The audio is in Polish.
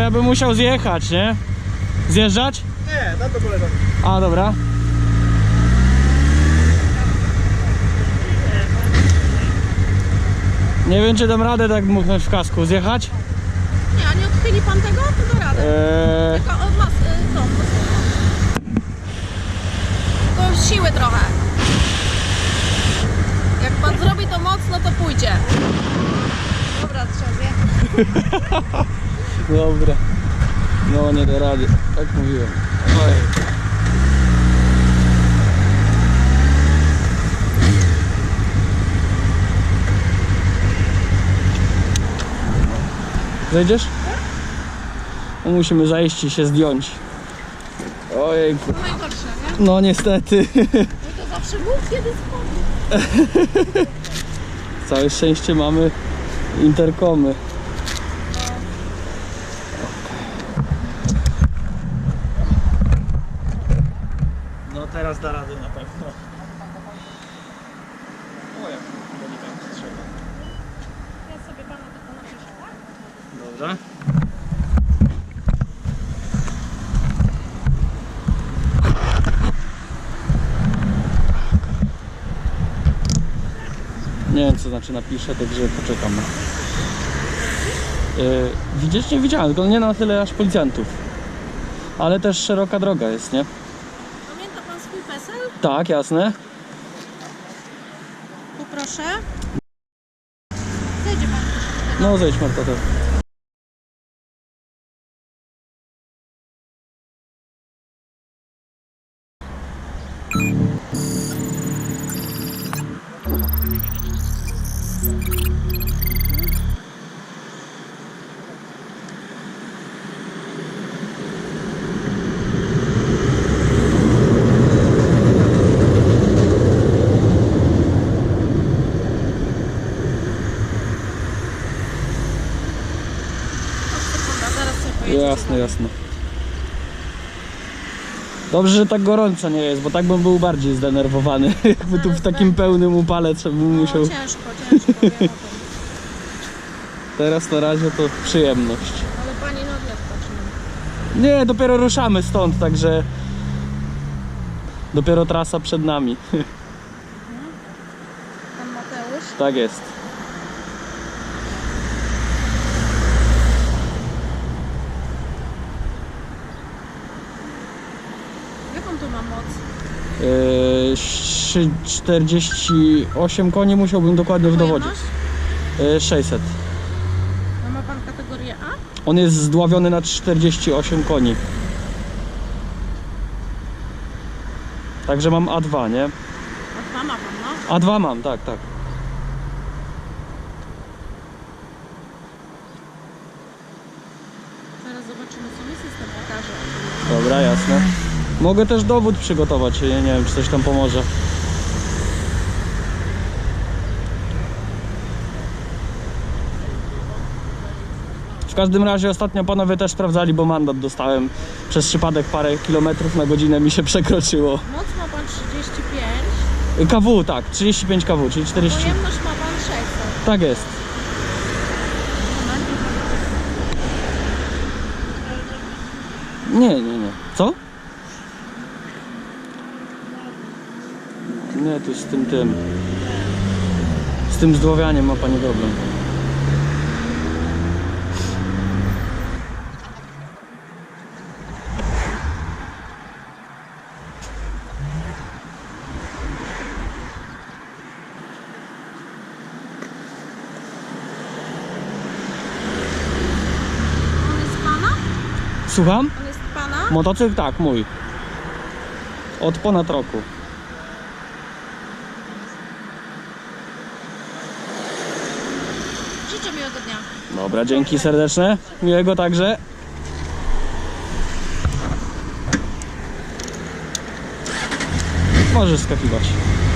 ja bym musiał zjechać, nie? Zjeżdżać? Nie, na to koleżanki. A, dobra. Nie wiem, czy dam radę tak dmuchnąć w kasku. Zjechać? Nie, a nie odchyli pan tego? To da radę. Tylko od mas... Tylko siły trochę. Jak pan zrobi to mocno, to pójdzie. Dobra, trzeba zjechać. Dobra. No, nie da rady. Tak mówiłem. Oj. Zejdziesz? No, musimy zajść i się zdjąć. Ojejku. To najgorsze, nie? No niestety. No to zawsze mów, kiedy spadnie. Całe szczęście mamy interkomy. No teraz da radę na pewno. O, jak delikatnie trzeba. Ja sobie pana tylko napiszę, tak? Dobrze. Nie wiem, co znaczy napiszę, także poczekam. Widzieć? Nie widziałem, tylko nie na tyle aż policjantów. Ale też szeroka droga jest, nie? Pamięta pan swój PESEL? Tak, jasne. Poproszę. Zejdzie pan proszę. No zejdź, Marta, to. Zaraz sobie pojedziecie. Jasne, jasne. Dobrze, że tak gorąco nie jest, bo tak bym był bardziej zdenerwowany. Jakby tu w takim pełnym upale trzeba bym No, musiał... ciężko, wiem o tym. Teraz na razie to przyjemność. Ale pani na odjazd patrzy. Nie, dopiero ruszamy stąd, także... Dopiero trasa przed nami. Pan Mateusz. Tak jest. Jaką tu ma moc? 48 koni musiałbym dokładnie dowodzić. Pojemność? 600. A ma pan kategorię A? On jest zdławiony na 48 koni. Także mam A2, nie? A dwa ma pan, no? A2 mam, tak, tak. Zaraz zobaczymy, co mi system pokaże. Dobra, jasne. Mogę też dowód przygotować, nie wiem, czy coś tam pomoże. W każdym razie ostatnio panowie też sprawdzali, bo mandat dostałem. Przez przypadek parę kilometrów na godzinę mi się przekroczyło. Moc ma pan 35, KW, tak, 35 KW, czyli 40. pojemność ma pan 600. Tak jest. Nie, nie, nie. Co? Nie, tu z tym. Z tym zdławianiem ma pani problem. On jest pana? Słucham? On jest pana? Motocykl? Tak, mój. Od ponad roku. Życzę miłego dnia. Dobra, dzięki serdeczne. Miłego także. Możesz skakiwać.